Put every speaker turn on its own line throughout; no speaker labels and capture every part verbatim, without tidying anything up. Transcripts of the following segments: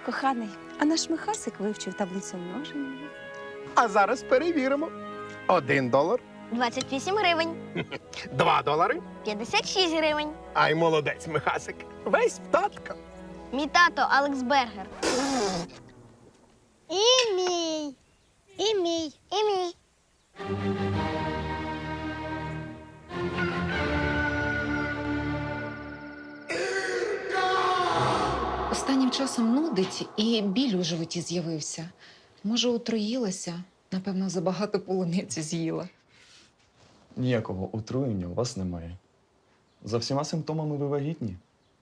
Коханий, а наш Михасик вивчив таблицю множення.
А зараз перевіримо. Один долар,
двадцять вісім гривень.
два долари.
п'ятдесят шість гривень.
Ай, молодець, Михасик. Весь в татка.
Мій тато Алекс Бергер. І мій. І мій. І мій.
Останнім часом нудить і біль у животі з'явився. Може, отруїлася? Напевно, забагато полуниці з'їла.
Ніякого отруєння у вас немає. За всіма симптомами ви вагітні.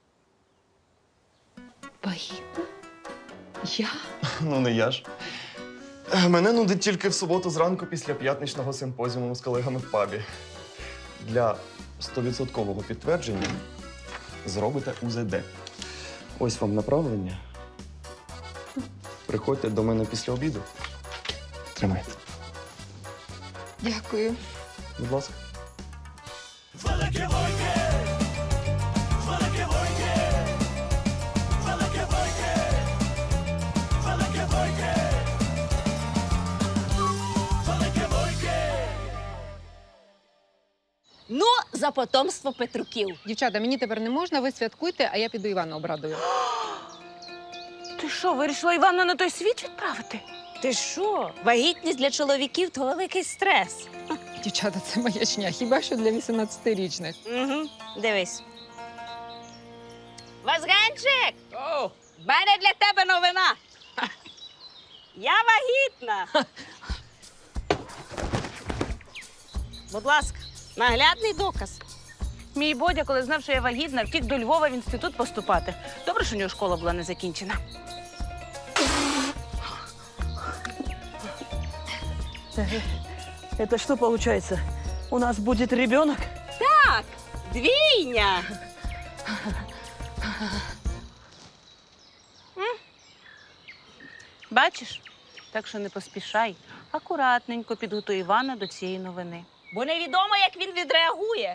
Вагітна? Я?
Ну, не я ж. Е, Мене нудить тільки в суботу зранку після п'ятничного симпозіуму з колегами в пабі. Для стовідсоткового підтвердження зробите У З Д. Ось вам направлення. Приходьте до мене після обіду. Тримайте.
Дякую.
Будь ласка.
Ну, за потомство Петруків.
Дівчата, мені тепер не можна, ви святкуйте, а я піду Івана обрадую.
Ти що, вирішила Івана на той світ відправити?
Ти що? Вагітність для чоловіків – то великий стрес.
Дівчата, це маячня, хіба що для вісімнадцятирічних.
Угу. Дивись. Вазганчик! О! В мене для тебе новина. Я вагітна. Будь ласка, наглядний доказ.
Мій Бодя, коли знав, що я вагітна, втік до Львова в інститут поступати. Добре, що у нього школа була не закінчена.
Это что получается? У нас будет ребенок?
Так, двійня.
Бачиш? Так що не поспішай. Акуратненько підготуй Івана до цієї новини.
Бо невідомо, як він відреагує.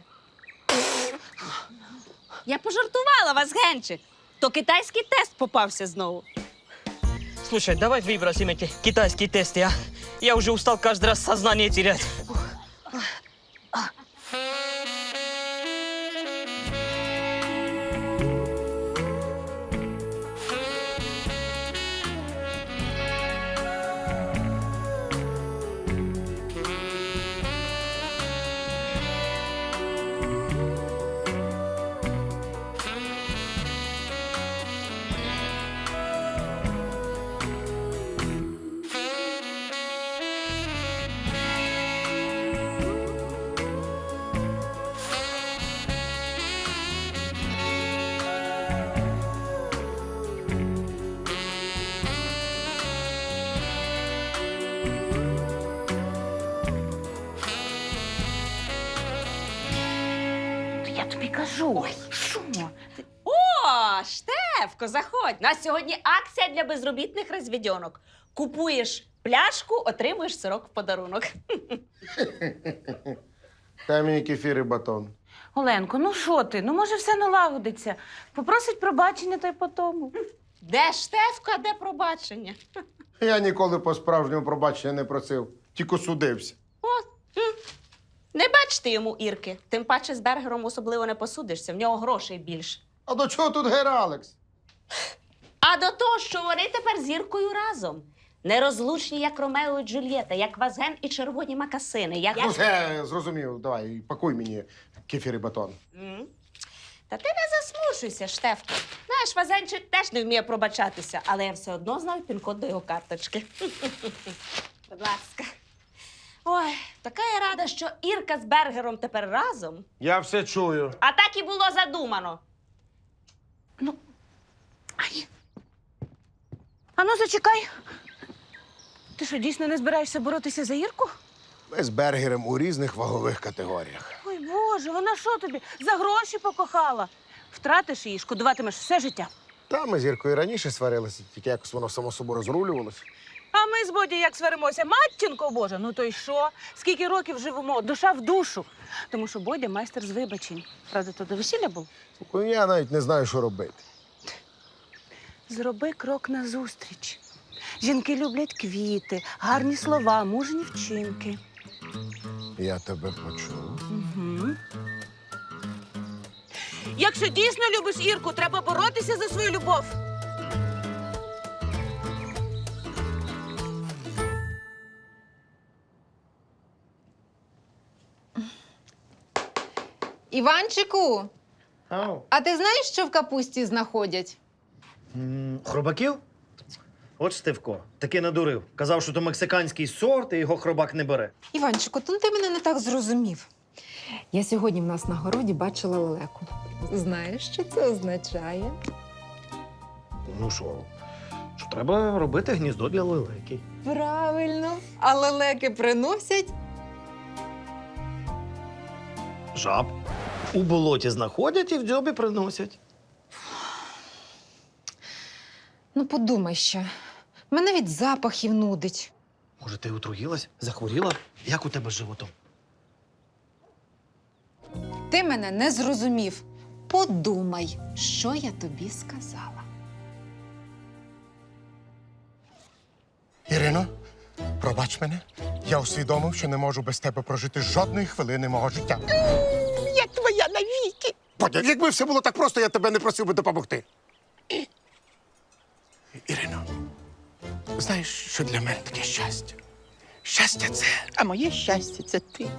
Я пожартувала, Вазгенчик. То китайський тест попався знову.
Слушай, давай выбросим эти китайские тесты, а? Я уже устал каждый раз сознание терять.
Я тобі кажу. Що?
О, Штефко, заходь. У нас сьогодні акція для безробітних розвідьонок. Купуєш пляшку, отримуєш сирок в подарунок.
Дай мені кефір і батон.
Оленко, ну що ти? Ну, може, все налагодиться. Попросить пробачення, та й по тому.
Де Штефко, а де пробачення?
Я ніколи по-справжньому пробачення не просив, тільки судився.
Не бачите йому Ірки. Тим паче з Бергером особливо не посудишся, в нього грошей більше.
А до чого тут Гер Алекс?
А до того, що вони тепер з Іркою разом. Нерозлучні, як Ромео і Джульєта, як Вазген і червоні макасини. Як...
Ну, все, зрозумів. Давай, пакуй мені кефір і батон.
М? Та ти не засмушуйся, Штефко. Знаєш, Вазенчик теж не вміє пробачатися, але я все одно знаю пін-код до його карточки. Будь ласка. Ой, така я рада, що Ірка з Бергером тепер разом.
Я все чую.
А так і було задумано.
Ай. А ну, зачекай. Ти що, дійсно не збираєшся боротися за Ірку?
Ми з Бергером у різних вагових категоріях.
Ой, Боже, вона що тобі? За гроші покохала. Втратиш її, шкодуватимеш все життя.
Та ми з Іркою раніше сварилися, тільки якось воно само собою розрулювалося.
А ми з Боді як сваримося? Матінко Божа, ну то й що? Скільки років живемо? Душа в душу. Тому що Бодя майстер з вибачень. Правда, то до весілля був?
Слухай, я навіть не знаю, що робити.
Зроби крок назустріч. Жінки люблять квіти, гарні слова, мужні вчинки.
Я тебе почув.
Угу. Якщо дійсно любиш Ірку, треба боротися за свою любов.
Іванчику,
Ау.
а ти знаєш, що в капусті знаходять?
М, Хробаків? От Штивко, таки надурив. Казав, що то мексиканський сорт, і його хробак не бере.
Іванчику, то ти мене не так зрозумів. Я сьогодні в нас на городі бачила лелеку. Знаєш, що це означає?
Ну що, що треба робити гніздо для лелеки.
Правильно. А лелеки приносять.
Жаб. У болоті знаходять і в дзьобі приносять.
Ну, подумай ще. Мене від запахів нудить.
Може, ти отруїлась? Захворіла? Як у тебе з животом?
Ти мене не зрозумів. Подумай, що я тобі сказала.
Ірино, пробач мене. Я усвідомив, що не можу без тебе прожити жодної хвилини мого життя.
Я твоя навіки.
Бодя, якби все було так просто, я тебе не просив би допомогти. Ірино, знаєш, що для мене таке щастя? Щастя це.
А моє щастя це ти.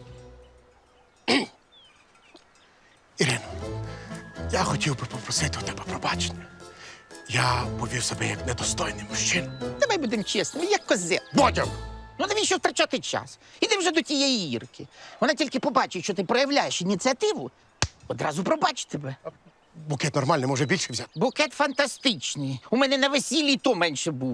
Ірино, я хотів би попросити у тебе пробачення. Я повів себе як недостойний мужчина.
Давай будемо чесними, як козел.
Бодя!
Ну навіщо втрачати час? Іди вже до тієї Ірки. Вона тільки побачить, що ти проявляєш ініціативу, одразу пробачить тебе.
Букет нормальний, може більше взяти.
Букет фантастичний. У мене на весіллі й то менше був.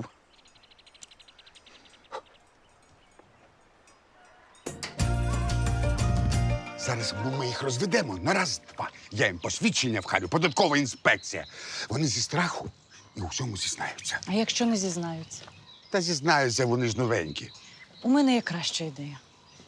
Зараз ми їх розведемо на раз-два. Я їм посвідчення вхалю, податкова інспекція. Вони зі страху і у всьому зізнаються.
А якщо не зізнаються?
Та зізнаються, вони ж новенькі.
У мене є краща ідея.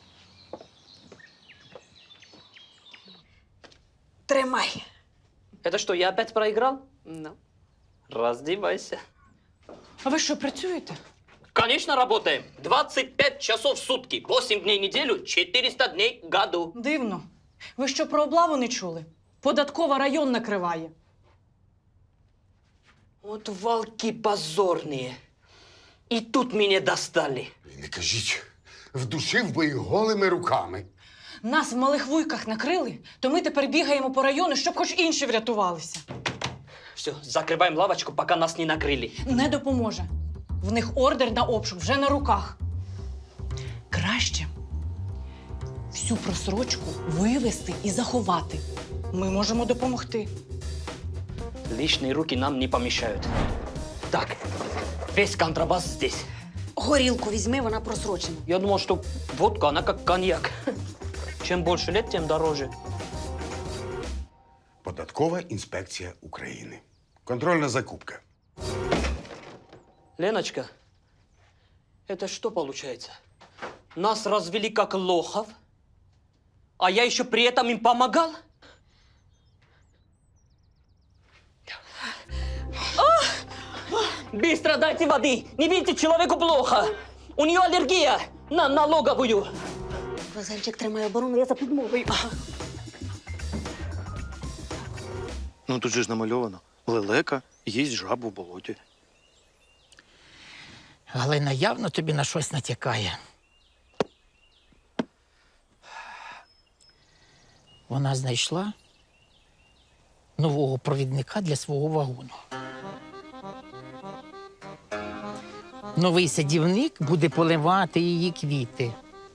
Тримай. Это что, я опять проиграл? Ну, раздевайся.
А ви що, працюєте?
Конечно, работаем. двадцать пять часов в сутки, восемь дней в неделю, четыреста дней в году.
Дивно. Ви що, про облаву не чули? Податкова район накриває.
Вот волки позорные. И тут меня достали.
І не кажіть, вдушив би їх голими руками.
Нас в малих вуйках накрили, то ми тепер бігаємо по району, щоб хоч інші врятувалися.
Все, закрываем лавочку, пока нас не накрыли.
Не допоможе. В них ордер на обшук вже на руках. Краще всю просрочку вивезти і заховати. Ми можемо допомогти.
Лишние руки нам не помешают. Так, весь контрабас здесь.
Горілку візьми, вона просрочена.
Я думал, что водка, она как коньяк. Чем больше лет, тем дороже.
Податкова інспекція України. Контрольна закупка.
Леночка, это что получается? Нас развели как лохов, а я еще при этом им помогал? Быстро дайте воды! Не видите, человеку плохо! У нее аллергия на налоговую!
Вазельчик тримає оборону, я за підмогою.
Ну тут же ж намальовано. Лелека їсть жабу в болоті.
Галина явно тобі на щось натякає. Вона знайшла нового провідника для свого вагону. Новий садівник буде поливати її квіти.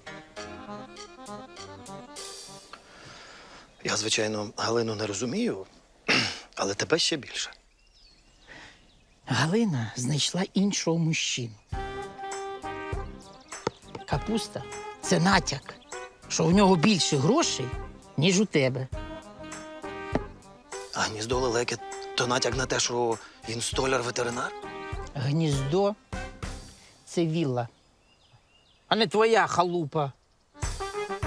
Я, звичайно, Галину не розумію, але тебе ще більше.
Галина знайшла іншого мужчину. Капуста – це натяк, що у нього більше грошей, ніж у тебе.
А гніздо лелеки то натяк на те, що він столяр-ветеринар?
Гніздо – це вілла, а не твоя халупа.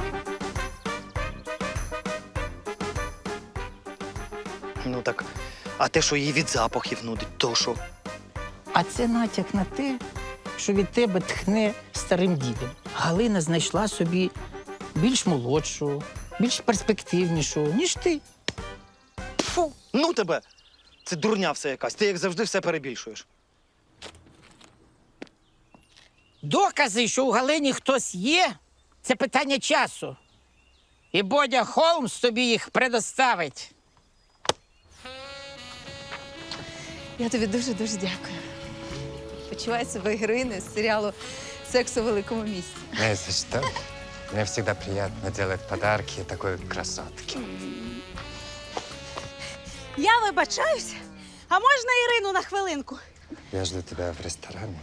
Ну так,
А те, що її від запахів нудить, то що?
А це натяк на те, що від тебе тхне старим дідом. Галина знайшла собі більш молодшу, більш перспективнішу, ніж ти.
Фу, ну тебе! Це дурня все якась. Ти, як завжди, все перебільшуєш.
Докази, що у Галині хтось є, це питання часу. І Бодя Холмс тобі їх предоставить.
Я тобі дуже-дуже дякую. Почуваю себе героїною з серіалу «Секс у великому місті».
Не за что. Мне всегда приятно делать подарки такой красотке.
Я вибачаюсь. А можна Ірину на хвилинку?
Я жду тебя в ресторане.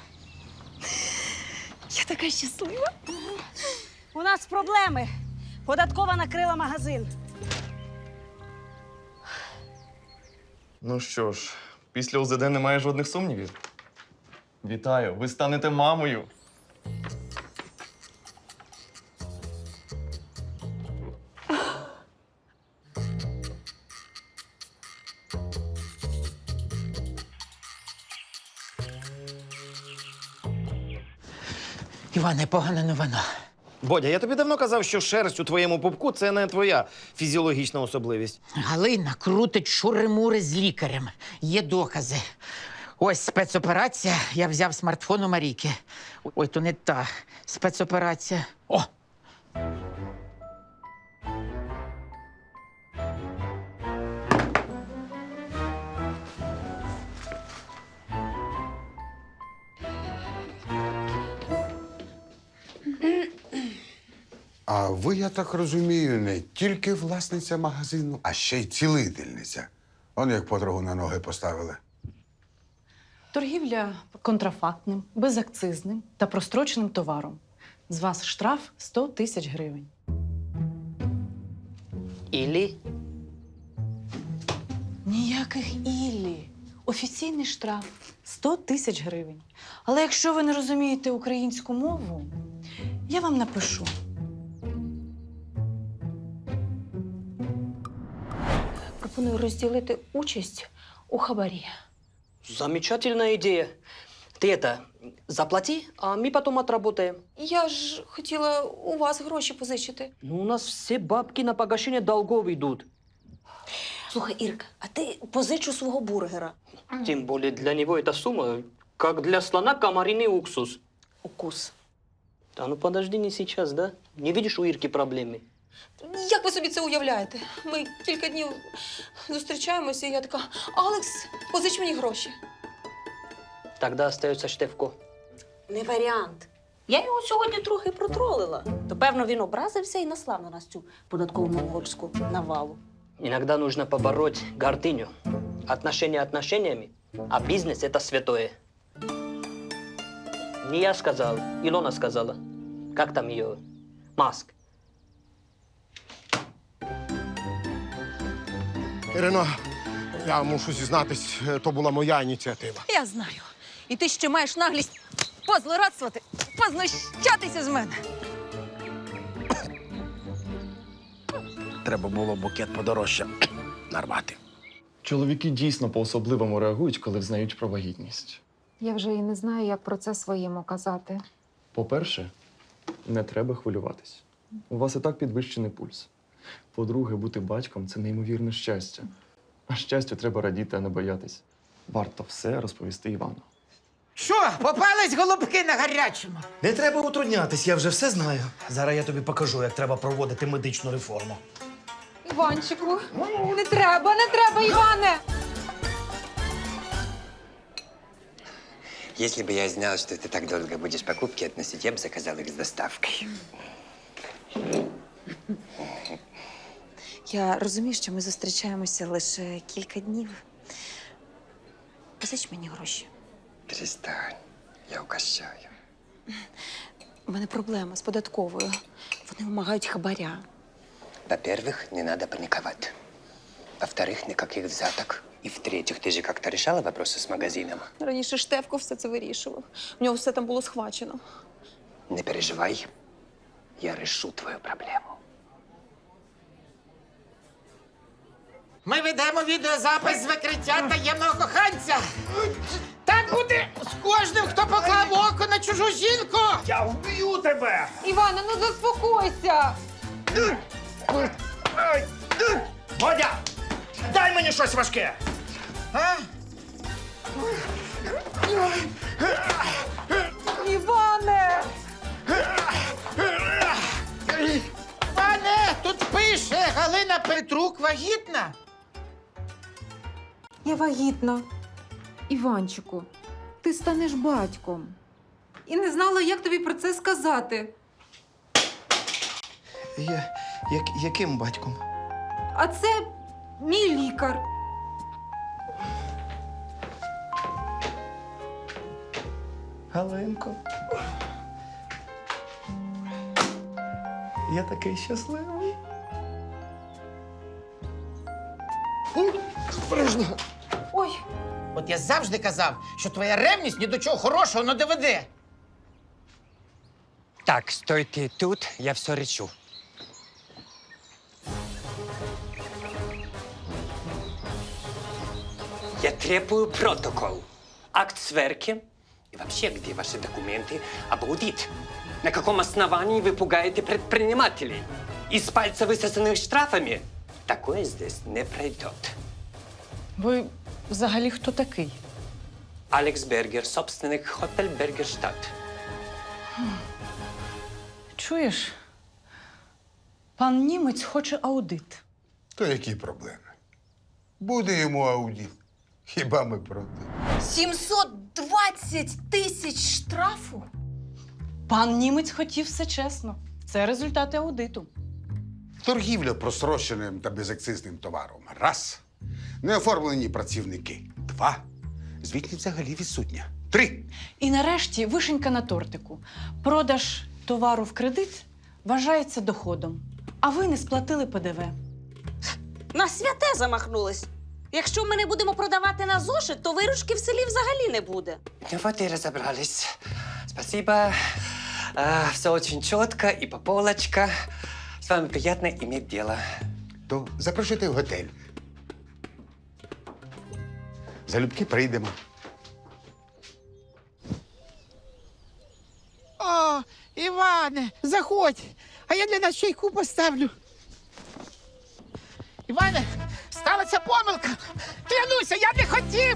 Я така щаслива.
У нас проблеми. Податкова накрила магазин.
Ну що ж, після УЗД немає жодних сумнівів. Вітаю, ви станете мамою.
Іване, погана новина.
Бодя, я тобі давно казав, що шерсть у твоєму пупку – це не твоя фізіологічна особливість.
Галина крутить шури-мури з лікарем. Є докази. Ось спецоперація. Я взяв смартфон у Марійки. Ой, то не та спецоперація. О!
А ви, я так розумію, не тільки власниця магазину, а ще й цілительниця. Он як подругу на ноги поставили.
Торгівля контрафактним, безакцизним та простроченим товаром. З вас штраф сто тисяч гривень.
Или
Ніяких іллі. Офіційний штраф сто тисяч гривень. Але якщо ви не розумієте українську мову, я вам напишу.
Пропоную розділити участь у хабарі.
замечательная идея. Ты это, заплати, а мы потом отработаем.
Я ж хотіла у вас гроші позичити.
Ну, у нас все бабки на погашение долгов идут.
Слухай, Ірка, а ти позичу свого бургера.
Тем более для него эта сумма, как для слона комариный уксус.
Укус.
Да ну подожди, не сейчас, да? Не видишь у Ирки проблемы?
Як ви собі це уявляєте? Ми кілька днів зустрічаємося, і я така: Алекс, позич мені гроші.
Тогда остается Штефко.
Не варіант. Я його сьогодні трохи протролила. То, певно, він образився і наслав на нас цю податкову монгольську навалу.
Иногда нужно побороть гордыню. Отношения отношениями, а бизнес – это святое. Не я сказал, Илона сказала. Как там ее? Маск.
Ірино, я мушу зізнатись, то була моя ініціатива.
Я знаю. І ти ще маєш наглість позлорадствувати, познущатися з мене.
Треба було букет подорожче нарвати.
Чоловіки дійсно по-особливому реагують, коли взнають про вагітність.
Я вже і не знаю, як про це своєму казати.
По-перше, не треба хвилюватись. У вас і так підвищений пульс. По-друге, бути батьком – це неймовірне щастя. А щастю треба радіти, а не боятись. Варто все розповісти Івану.
Що, попались голубки на гарячому?
Не треба утруднятись, я вже все знаю. Зараз я тобі покажу, як треба проводити медичну реформу.
Іванчику, не треба, не треба, Іване!
Если бы я знал, что ты так долго будешь покупки относить, я бы заказал их с доставкой.
Я розумію, що ми зустрічаємося лише кілька днів. Позич мені гроші.
Перестань, я угощаю.
У мене проблема з податковою. Вони вимагають хабаря.
Во-первых, не надо паниковать. Во-вторых, никаких взяток. И в-третьих, ты же как-то решала вопросы с магазином?
Раніше Штефко все це вирішував. У нього все там було схвачено.
Не переживай, я решу твою проблему.
Ми ведемо відеозапис з викриття таємного коханця. Так буде з кожним, хто поклав око на чужу жінку.
Я вб'ю тебе!
Іване, ну заспокойся!
Бодя! Дай мені щось важке!
А?
Іване!
Пане, тут пише, Галина Петрук вагітна.
Я вагітна. Іванчику, ти станеш батьком. І не знала, як тобі про це сказати.
Я, як, яким батьком?
А це мій лікар.
Галинко. Я такий щасливий.
Ой,
От я завжди казав, що твоя ревність ні до чого хорошого не доведе.
Так, стойте тут, я все решу. Я требую протокол, акт сверки и вообще, где ваши документы об аудит? На каком основании вы пугаете предпринимателей? Из пальца высосанных штрафами? Такое здесь не пройдет.
Ви взагалі хто такий?
Алекс Бергер, собственник Хотель Бергерштадт.
Чуєш? Пан німець хоче аудит.
То які проблеми? Буде йому аудит. Хіба ми проти?
сімсот двадцять тисяч штрафу?
Пан німець хотів все чесно. Це результати аудиту.
Торгівля просроченим та безакцизним товаром. Раз. Неоформлені працівники. Два. Звітність взагалі відсутня. Три.
І нарешті вишенька на тортику. Продаж товару в кредит вважається доходом. А ви не сплатили ПДВ.
На святе замахнулись. Якщо ми не будемо продавати на зошит, то виручки в селі взагалі не буде.
Ну вот и разобрались. Спасибо. А, все очень четко и по полочка. С вами приятно иметь дело.
То запрошуйте в готель. Залюбки прийдемо.
О, Іване, заходь, а я для нас чайку поставлю. Іване, сталася помилка. Клянуся, я не хотів.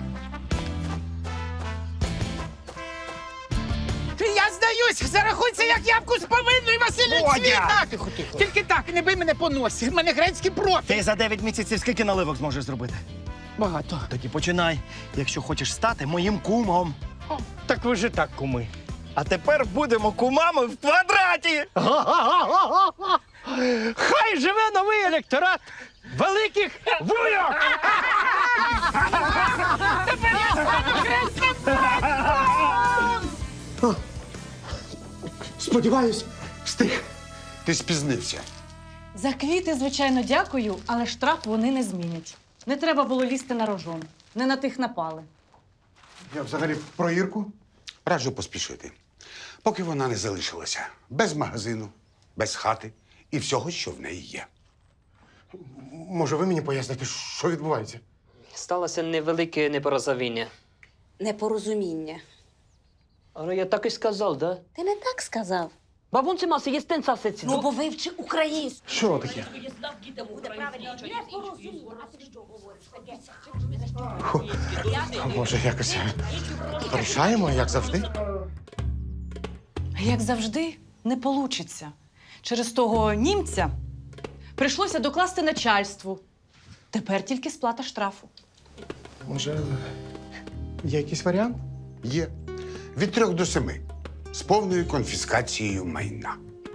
Я здаюсь, зарахуйся, як ябку з повинною, Василь
Бодя!
Тихо, тихо. Тільки так, не бий мене по носі. В мене грецький профіль.
Ти за дев'ять місяців скільки наливок зможеш зробити?
Багато.
Тоді починай, якщо хочеш стати моїм кумом. Так ви ж і так куми. А тепер будемо кумами в квадраті. Хай живе новий електорат великих вуйок!
Сподіваюсь, встиг. Ти спізнився.
За квіти, звичайно, дякую, але штраф вони не змінять. Не треба було лізти на рожон. Не на тих напали.
Я взагалі про Ірку раджу поспішити. Поки вона не залишилася без магазину, без хати і всього, що в неї є.
Може, ви мені поясните, що відбувається?
Сталося невелике непорозуміння.
Непорозуміння.
Але я так і сказав, да?
Ти не так сказав.
Бабунці маси є стенца сеці.
Ну, бо вивчи українську.
Що таке? А може, якось порішаємо, як завжди?
Як завжди, не получиться. Через того німця прийшлося докласти начальству. Тепер тільки сплата штрафу.
Може, є якийсь варіант?
Є від трьох до семи з повною конфіскацією майна.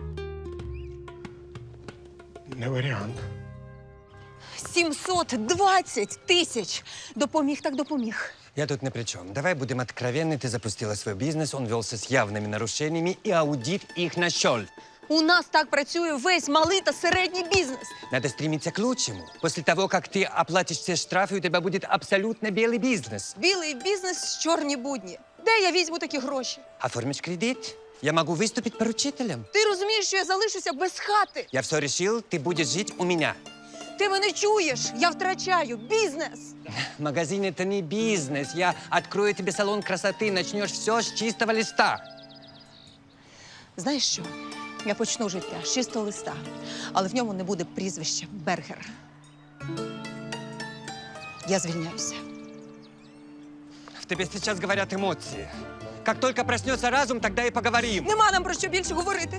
Не варіант.
сімсот двадцять тисяч! Допоміг так допоміг.
Я тут ни при чем. Давай будем откровенны. Ты запустила свой бизнес, он велся с явными нарушениями, и аудит их нашел.
У нас так працює весь малий та середній бізнес.
Надо стремиться к лучшему. После того, как ты оплатишь все штрафы, у тебя будет абсолютно белый бизнес.
Білий бізнес, чорні будні. Де я візьму такі гроші?
Оформишь кредит? Я могу выступить поручителем.
Ти розумієш, що я залишуся без хати?
Я все решил, ты будешь жить у меня.
Ти мене чуєш? Я втрачаю бізнес.
Магазин — это не бизнес. Я открою тебе салон красоты, начнешь все с чистого листа.
Знаєш що? Я почну життя з чистого листа, але в ньому не буде прізвища Бергер. Я звільняюся.
В тебе сейчас говорят эмоции. Как только проснется разум, тогда и поговорим.
Нема нам про що більше говорити.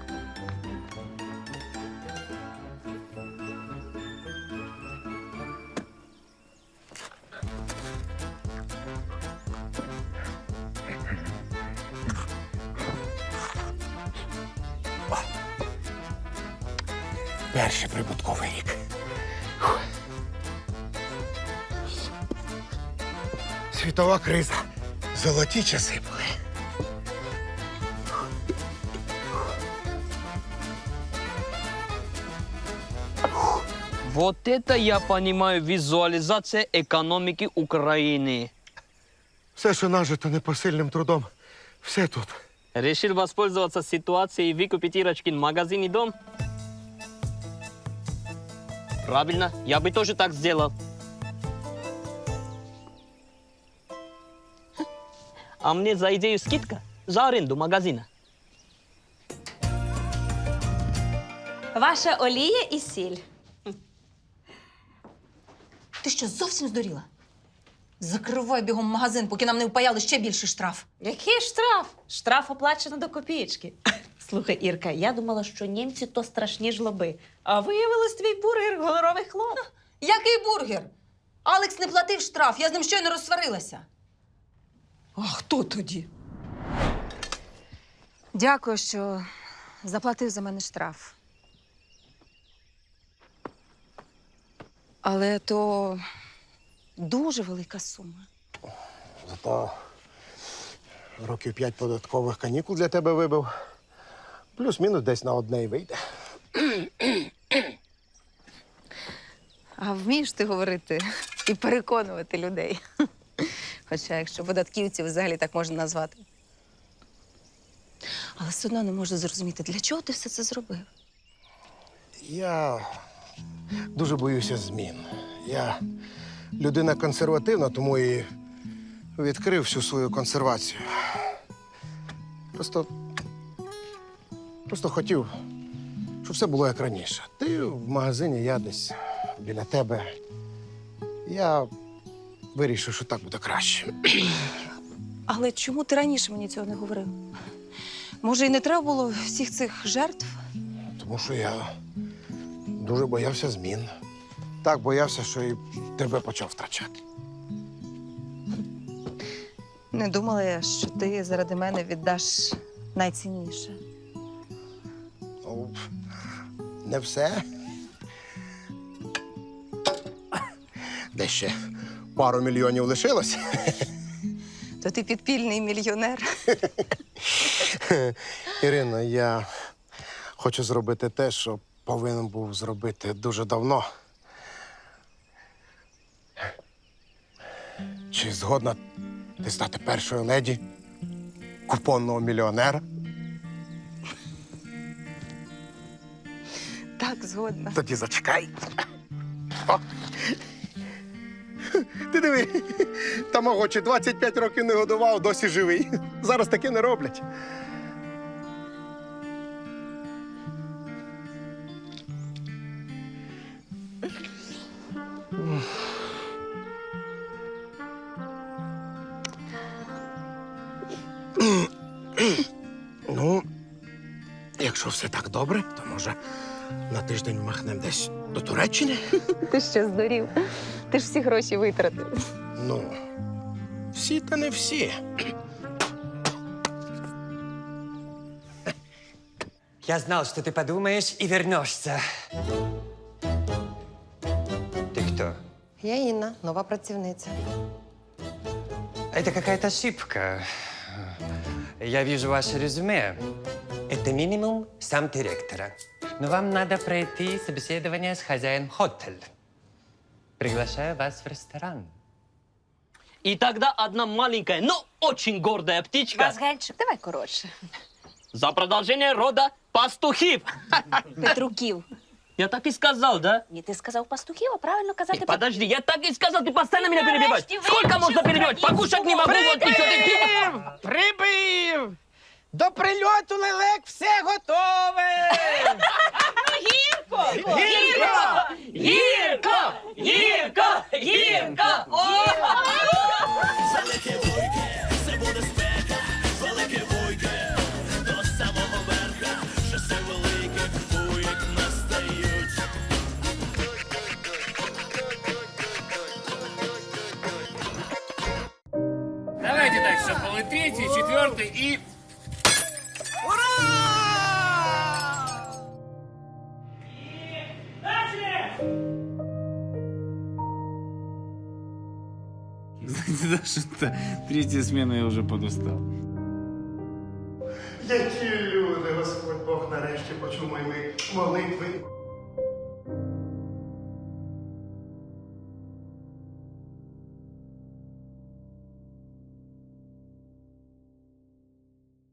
Перший прибутковий рік. Фух. Світова криза. Золоті часи були.
Вот это я понимаю визуализация экономики Украины.
Все, що нажито непосильним трудом, все тут.
Решил воспользоваться ситуацией и выкупить Ирочкин магазин и дом? Правильно, я бы тоже так сделал. А мне за идею скидка за аренду магазина.
Ваша олія і сіль.
Ти що, зовсім здуріла? Закривай бігом магазин, поки нам не впаяли ще більший штраф.
Який штраф? Штраф оплачено до копієчки. Слухай, Ірка, я думала, що німці то страшні жлоби. А виявилось твій бургер гоноровий хлоп.
Який бургер? Алекс не платив штраф, я з ним щойно розсварилася. А хто тоді? Дякую, що заплатив за мене штраф. Але то дуже велика сума.
Зато років п'ять податкових канікул для тебе вибив. Плюс-мінус десь на одне й вийде.
А вмієш ти говорити і переконувати людей? Хоча, якщо податківців взагалі так можна назвати. Але все одно не можу зрозуміти, для чого ти все це зробив?
Я дуже боюся змін. Я людина консервативна, тому і відкрив всю свою консервацію. Просто, просто хотів, щоб все було як раніше. Ти в магазині, я десь біля тебе. Я вирішив, що так буде краще.
Але чому ти раніше мені цього не говорив? Може, і не треба було всіх цих жертв?
Тому що я дуже боявся змін. Так боявся, що і тебе почав втрачати.
Не думала я, що ти заради мене віддаш найцінніше.
Ну, не все. Де ще пару мільйонів лишилось.
То ти підпільний мільйонер.
Ірино, я хочу зробити те, що повинен був зробити дуже давно. Чи згодна ти стати першою леді купонного мільйонера?
Так, згодна.
Тоді зачекай. О. Ти диви, тамагочі двадцять п'ять років не годував, досі живий. Зараз таке не роблять. Ну, якщо все так добре, то може на тиждень махнемо десь до Туреччини?
Ти що, здурів? Ти ж всі гроші витратив.
Ну, всі та не всі.
Я знал, что ты подумаешь и вернешься. Ты кто?
Я Інна, нова працівниця.
Это какая-то ошибка. Я вижу ваше резюме. Это минимум сам директора. Но вам надо пройти собеседование с хозяином хотеля. Приглашаю вас в ресторан.
И тогда одна маленькая, но очень гордая птичка
Вазгенчик, давай коротше.
за продолжение рода пастухів.
Петруків.
Я так и сказал, да?
Ні, ти сказав пастухів, а правильно казати...
Ты подожди, я так и сказал, ты постоянно меня
Нарешті
перебиваешь.
вивчив
Сколько можно перебивать?
українську
Покушать не могу, вот ничего ты...
Прибив! До прильоту лелек все готове!
Гірко!
Гірко! Гірко! Гірко! Гірко! О!
Давайте так, что был и третий, и четвертый, и...
Знаете, даже третья смена я уже подустал.
Які люди, Господь Бог нарешті почув мої молитви.